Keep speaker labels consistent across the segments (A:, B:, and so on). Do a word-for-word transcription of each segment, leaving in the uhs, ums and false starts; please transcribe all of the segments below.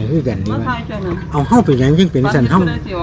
A: คือกันนี่ว่าเอาเฮาไปหยังจังเป็นสันเฮา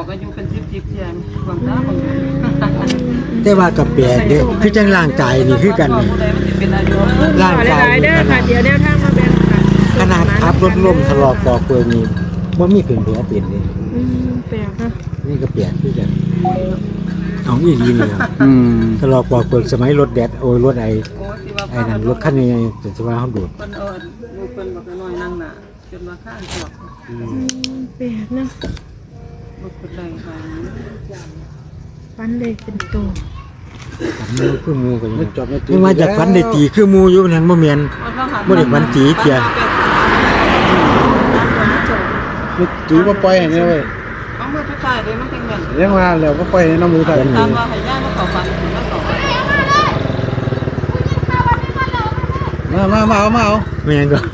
A: แต่ว่ากับแปลกเด้คือจังร่างกายนี่คือกันนี่ร่างกายนี่ขนาดเดียวแนวทางมาแบ่งขนาดขับรถล้มทะลอกปอกเปื้อนนี่บ่มีเป็นแผลเป็นเลยอืมแปลกนะนี่ก็แปลกคือกันเอาอีหลีนี่อืมทะลอกปอกเปื้อนสมัยรถแดดโอ้ยรถไอ้ไอ้นั่นรถคันใหญ่ๆจะว่าเฮาดูดเพิ่นเอิ้นลูกเพิ่นบอกน้อยนั่งน่ะจนว่าข้างจอกอืมแปลกนะบ่เป็นไรค่ะฟันเลยเป็นตัวฟันเลยคือมูกันอยู่ยังมาจากฟันได้ตีคือมูอยู่นั่นบ่แม่นบ่ได้ฟันตีเที่ย
B: จูบ่ปล่อยให้เว้ย
C: เอามือไปใส่เลยมันจังแม่น
B: เรียกว่าแล้วบ่ปล่อยให้น้ำมือใส่
C: ตามว่าให้ย่ามาเข้าฟันมาเข้า
B: มามามาเอามาเอา
A: แม่นก็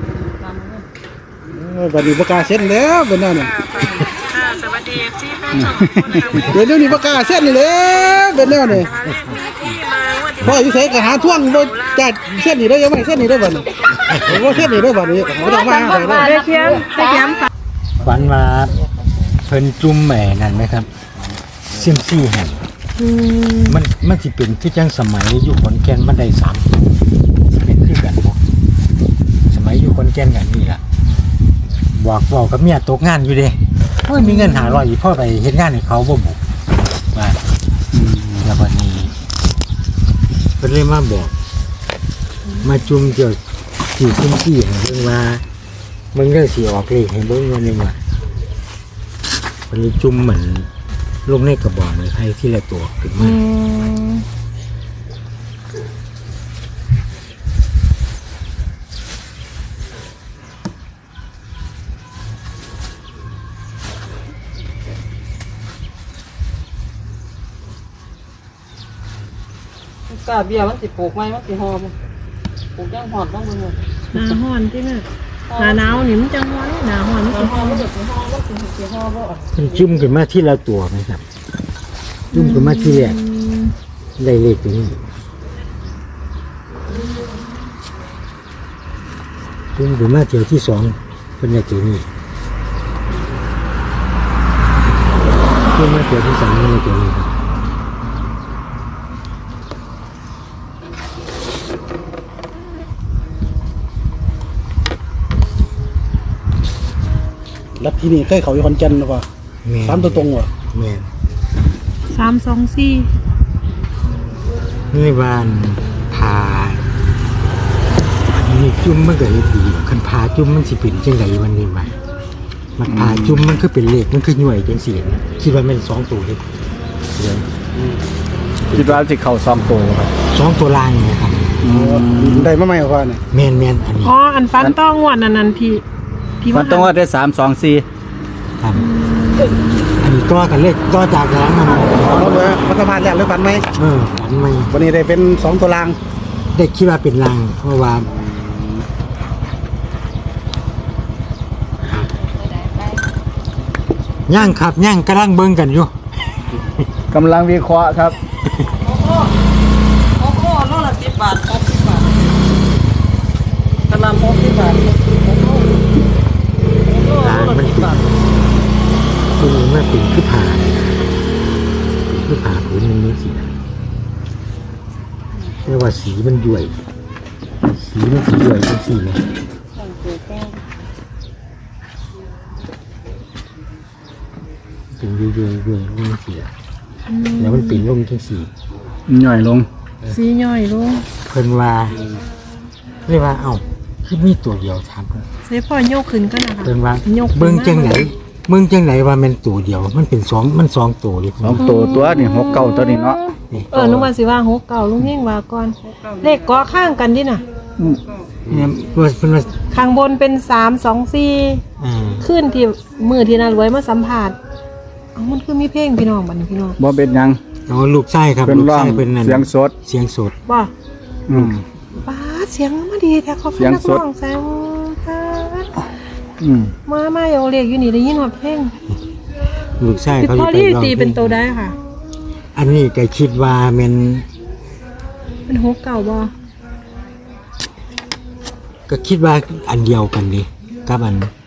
B: เออบัดนี้บ่กล้าเซ็นแล้วเป็นแนวนี้
C: ค่ะสวัสดี เอฟ ซี แฟนช่องนะคะ
B: เดี๋ยวนี้บ่กล้าเซ็นแล้วเป็นแนวนี้พ่ออยู่ไสก็หาท่วงบ่จัดเซ็นนี่ได้ยังไม่เซ็นนี่ได้บ่นี่บ่เซ็นนี่ได้บ่นี่บ่ต้องมาให้ได้
C: ได้เขียนได้เขียน
A: ฝันว่าเพิ่นจุ่มแหม่นั่นไหมครับเซียมซี่แห่งมันมันสิเป็นคือจังสมัยอยู่ขอนแก่นมันได้สามสิเป็นคือกันบ่สมัยอยู่ขอนแก่นกันนี่ล่ะบอกบอกกับเมียตกงานอยู่เด้เฮ้ยมีเงินห้าร้อยอีพ่อไปเฮ็ดงานให้เขาบ่บุว่าแล้วบัดนี้เพิ่นเลยมาบอกมาจุ่มเกี่ยวที่เซียมซี่ให้เบิ่งว่ามันก็สิออกเลขให้เบิ่งว่านี่ว่ามันเลยจุ่มเหมือนลงในกระบอกเลยให้ที่ละตัวขึ้นมา
C: กาเบียมันสิปลูกไหมมันสิหอมปลูกย่างหอดบ้างมึงเลย
D: หนาหอนที่น่ะหนาหนาวนี่มันจังหอนหนาหอนมันสิหอมมันสิหอมมันสิสิหอมบ่
A: มันจุ่มขึ้นมาที่ละตัวไหมครับจุ่มขึ้นมาที่แรกได้เลขตัวนี้จุ่มขึ้นมาเที่ยวที่สองเป็นเลขตัวนี้จุ่มมาเที่ยวที่สามเป็นเลขตัวนี้ครับ
B: ลัทธินี่เคยเข้าอยู่ขอนแก่นหรือเปล่าสามตัวตรงว่ะ
A: แม่น
D: สามสองสี่
A: นี่บ้านพานี่จุ่มมันก็เลยดีคันพาจุ่มมันสิเป็นจังไดวันนี้ว่ามันพาจุ่มมันคือเป็นเลขมันคือหน่วยจังซี่นะคิดว่ามันสองตัวเลยเดี๋ยว
B: คิดว่าสิเข้าสองตัวครับ
A: สองตัวล่างนี่ครับ
B: ได้มาใหม่กว่านี่
A: แม่นๆอันนี้
D: อ๋ออันฟันต้องงวดนั้นๆที่
E: ที่มันต้องว่าได้สาม สอง สี่
A: ครับอันนี้ตัวกันเลขตัวจากหลังมัน
B: เอาเลยรัฐบาลแล้วหรือฝันไหม
A: เออฝันไหม
B: วันนี้ได้เป็นสองตัวราง
A: ได้คิดว่าเป็นรางเพราะว่าย่างครับย่างกำลังเบิ่งกันอยู่
E: กำลังวิเคราะห์ครับ
C: โอ้โหโอ้โหโลละสิบบาทหกสิบบาทกะหล่ำหกสิบบาท
A: ร้านมันคือคือมันเป็นคือผ่าคือผ่าผืนมันนี้สีเรียกว่าสีมันย่วยสีมันสีย่วยเป็นสีเลยเป็นย่วยย่วยย่วยลงสีแล้วมันปิ่นลงจังสี
E: ย่อยลง
D: สีย่อยลง
A: เพิ่นว่าเรียกว่าเอ้าคือมีตัวเดียวถามเพิ่น
D: ใส่พ่อยกขึ้นก็นะคะ
A: เพิ่นว่าเบิ่งจังไหนเบิ่งจังไหนว่ามันตัวเดียวมันเป็นสองมันสองตัวเลย
E: สองตัวตัวนี่หกเก้าตัวนี้เนาะ
D: เออนึกว่าสิว่าหกเก้าลุงเฮงว่าก่อนเลขกอข้างกันดิน่ะ
A: เนี่ยเพิ่นว่า
D: ข้างบนเป็นสาม สอง สี่
A: อ่า
D: ขึ้นที่มือที่น่ารวยมาสัมภาษณ์เอ้ามันคือมีเพลงพี่น้องบัดนี้พี่น้อง
E: บ่เป็นหยัง
A: อ๋อลูกชายครับ
E: ลูกชายเป็นเสียงสด
A: เสียงสด
D: บ่
A: อืม
D: ป้าเสียงมาดีแท้เขาเป็นนักร้องแซง
E: อืม
D: มามาเอาเลขอยู่นี่ได้ยินว่าเพลง
A: ลูกชายเขา
D: พอที่ตีเป็นตัวได้ค่ะ
A: อันนี้ก็คิดว่ามัน
D: เป็นหกเก่าบ่
A: ก็คิดว่าอันเดียวกันดิกับอัน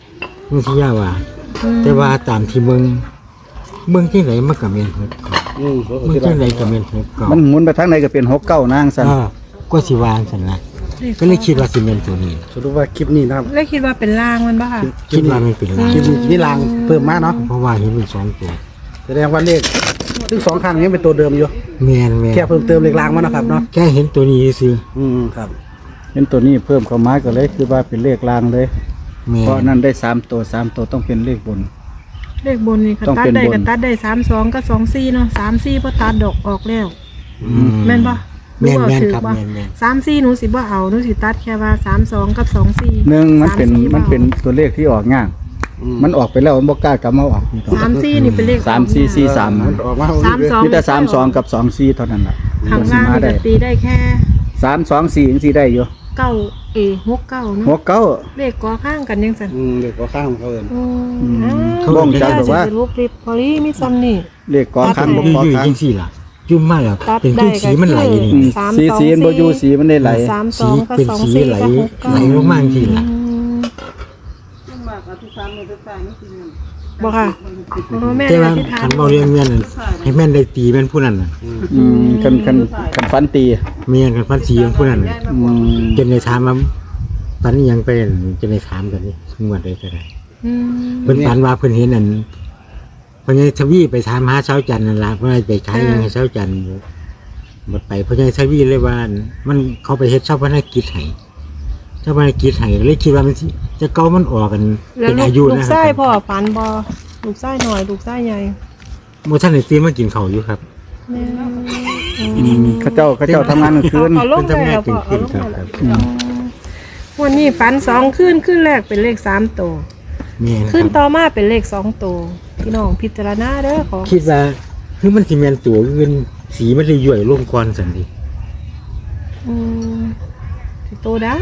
A: บางทียาว่า แต่ว่าตามที่เมืองเมืองที่ไหนมันก็แม่นหกเก้า
B: อืม
A: เมืองที่ไหนก็แม่นหกเก้า
E: มันหมุนไปทางไหนก็เป็นหกเก้านางซั่น
A: อ่าก็สิวางซั่นนะก็เลยคิดว่าสิแม่นตัวนี้
B: สรุปว่าคลิปนี้นะครับ
D: แล้วคิดว่าเป็นล่างมันบ่ค่ะ
A: คิดว่ามันเป็นลาง
B: คลิปนี้นี่ลางเพิ่มมาเนาะ
A: เพราะว่าเห็นเป็นสองตัว
B: แสดงว่าเลขทั้งสองข้างนี้เป็นตัวเดิมอยู่
A: แม่นแม่น
B: แค่เพิ่มเติมเลขลางมานะครับเนาะ
A: แค่เห็นตัวนี้ซื่อ
B: อืมครับ
E: เห็นตัวนี้เพิ่มเข้ามาก็เลยคือว่าเป็นเลขลางเลย
A: แม่
E: เพราะ
A: น
E: นั่นได้สามตัวสามตัวต้องเป็นเลขบน
D: เลขบนนี่ค่ะ
E: ต้อง
D: ตัด
E: เป็น
D: ได้
E: บน
D: ก็ตัดได้สามสองกับสองสี่เนาะสามสี่พอตัดดอกออกแล้ว
A: อืม
D: แม่นปะ
A: แม่นแม่น
D: ถือ
A: ครับ
D: ว่า
A: แม่นแม่น
D: สามสี่หนูสิบ่เอาหนูสิตัดแค่ว่าสามสองกับสองสี่
E: หนึ่งมันเป็น
D: สาสี่
E: มันเป็น
D: บ่
E: ตัวเลขที่ออกง่าย
B: อืม
E: มันออกไปแล้วมันบ่กล้ากลับมาออกนี่ต่อ
D: สามสี่นี่เป็นเลข
E: สามสี่สี่สาม
B: มันออกมา
D: สามสอง
E: มีแต่สามสองกับสองสี่เท่านั้นแหละ
D: ข้างล่าง
E: มา
D: นี่
E: ได้
D: ก็ตีได้แค่
E: สามสองสี่ยังสี่ได้อยู่
D: เก้าเอหกเก้าเนาะ
E: หัวเก้า
D: เลขกอข้างกันยังสั่น
B: อืมเลขก็ข้างของเขาเอิ้น
D: อื
E: อืม
D: ม
E: เขาบอกจังบอกว่า
D: สิรูปคลิปพอลี่มีซ้ำนี่
E: เลขกอข้าง
A: อ
E: บ่กอยู่ ข้าง
A: จังซี่ล่ะจุ่มมาแล้ว
D: ตัด
A: เป็น
D: ได้
A: คือสีมันไหลนี่
E: อืม
D: สาม
E: สี
D: สอง
E: สีมันบ่อยู่
D: สี่
E: สีมันได้ไหล
D: สามส
A: สี
D: องกับ
A: เป็น
D: สอง
A: สี
D: สี่
A: ไหล
D: กับหกเก้า
A: ไหลลงมาจังซี่ล่ะ
D: อืม
C: มากอธิษฐานมือตายนี่คือ
D: บ่ค่ะอ๋อแม่
A: แต่
D: ได้
A: ว่า
D: อธิษฐาน
A: คันบ่เรียนแม่นนั่นให้แม่นได้ตีแม่นผู้นั้นน่ะ
E: อืมคันคันคันฟันตี
A: แม่นคันฟันสีของผู้นั้นน่ะ
E: อืม
A: จนได้ถามว่าฝันอิหยังไปนั่นจนได้ถามกันนี่งวดใดก็ได้
D: อืม
A: เพิ่นฝันว่าเพิ่นเห็นอันเพิ่นให้ทวีไปถามหาเช้าจันทร์นั่นล่ะเพิ่นให้ไปขายยังให้เช้าจันทร์หมดไปเพิ่นให้ทวีเลยว่า มันเขาไปเฮ็ดเช้าพนักกิจให้เช้าพนักกิจให้เลยคิดว่ามันสิจะเก่ามันออกกัน
D: แล้ว
A: เป็น
D: ลูก
A: อายุ
D: ลู
A: นะ
D: ก
A: ค
D: ไส้
A: รับ
D: พ่อฝันบ่ลูกไส้หน่อยลูกไส้ใหญ่
A: บ่ทันได้ตื่นมากินข้าวอยู่ครับ
D: แม่
E: อืมเขาเจ้าเขาเจ้าทำงานกลางคืน
D: เอาลง
A: เพิ่น
D: ได้
A: ทำงาน
D: แล้ว
A: กิ
D: พ่
A: น
D: อ
A: ขึ้
D: เอา
A: น
D: ลง
A: ครับ
D: ได้
A: ค
D: แล้
A: รั
D: ว
A: บ
D: วันนี้ฝันสองขึ้นขึ้นแรกเป็นเลขสามตัว
A: แม่นค
D: ขึ้น
A: รับ
D: ต่อมาเป็นเลขสองตัวพี่น้องพิจารณาเด้อขอ
A: คิดว่าคือมันสิแม่นตัวอื่นสีมันเลยย่อยลงก่อนซั่นดิ
D: อืมสิโตได้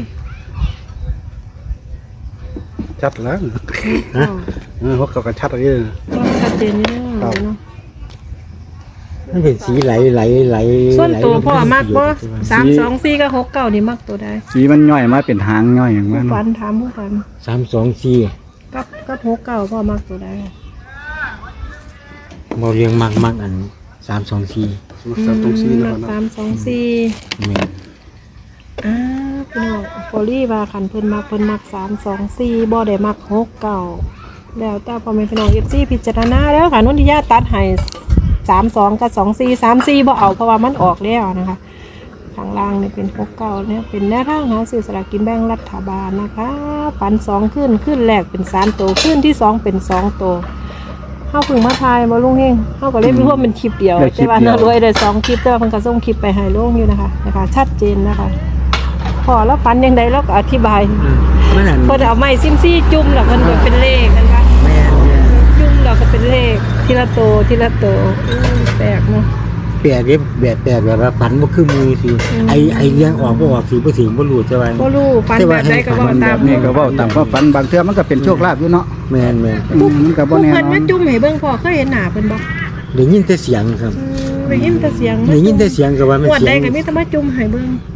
B: ชัดแล้ว
A: ฮะ
B: เออพวกเขาก็ชัดอะไรเลย
D: ก็ชัดเจนนี่
B: ครั
D: เด้อบ เนาะ
A: มันเป็นสีไหลไหลไหล
D: ส่วนตัว
A: ไหลลง
D: พ่อมักบ่
A: สี
D: สามสองสี่กับหกเก้านี่มักตัวได้
E: สีมันย่อยมาเป็นหางย่อยอย่าง
D: ผู้
E: นั้น
D: ฝันถามผู้ฝัน
A: สามสองสี่
D: กับกับหกเก้าพ่อมักตัวได้
A: เราเรียงมักมักอันสามสองสี่
B: สามตรงซีนะ
D: มัก
B: ครับ
D: สามสองสี่
A: แม่น
D: อ่าพี่น้องโพลี่ว่าคันเพิ่นมักเพิ่นมักสามสองสี่บ่ได้มักหกเก้าแล้วแต่พ่อแม่พี่น้องเอฟซีพิจารณาแล้วค่ะนนทิยาตัดให้สามสองกับสองสี่สามสี่บ่เอาเพราะว่ามันออกแล้วนะคะข้างล่างนี่เป็นหกเก้าเนี่ยเป็นแนวทางหาซื้อสลากกินแบ่งรัฐบาลนะคะปันสองขึ้นขึ้นแรกเป็นสามตัวขึ้นที่สองเป็นสองตัวเข้าพึ่งมาทายบ่ลุงเฮงเข้าก็เล่นร่วมเป็นคลิปเดียวแต่ว่าน่ารวยได้สองคลิปแต่ว่าเพิ่นก็ส่งคลิปไปให้ลุงอยู่นะคะนะคะ ชัดเจนนะคะพอแล้วฟันยังไงแล้วก็อธิบาย
A: มันอัน
D: เพิ่นเอาไม้ซิมซี่จุ่มแล้วเพิ่นก็เป็นเลขกันว่า
A: แม่นแม่น
D: จุ่มแล้วก็เป็นเลขทีละโตวทีละโตวอืมแปลกเนาะ
A: แปลกเด้แบบแปลกแบบว่าฝันบ่คือมือสิ
D: อืม
A: ไอไอเลี้ยงออกบ่ออกสิบ่ถึงบ่รู้จะว่า
D: บ่รู้ฟันแบบใดก็บ่
E: มันแบ
D: ตาม
E: บนี้ก็เว้าตามความฝันบางเทื่อมันก็เป็นโชคลาภอยู่เนาะ
A: แม่นแม่น
E: อืมมันก็บ่
D: ผู้
E: แน่
D: เพิ่น
E: นอ
D: มาน จุ่มให้เบิ่งพ่อเคยเห็นหน้าเพิ่นบ่
A: ได้ยินแต่เสียงครับ
D: อืมได้ยินแต่เสียง
A: ได้ยินแต่เสียงก็ว่ามัน
D: งวด
A: เสี
D: ใด
A: ยง
D: ก็มีแต่มาจุ่มให้เบิ่ง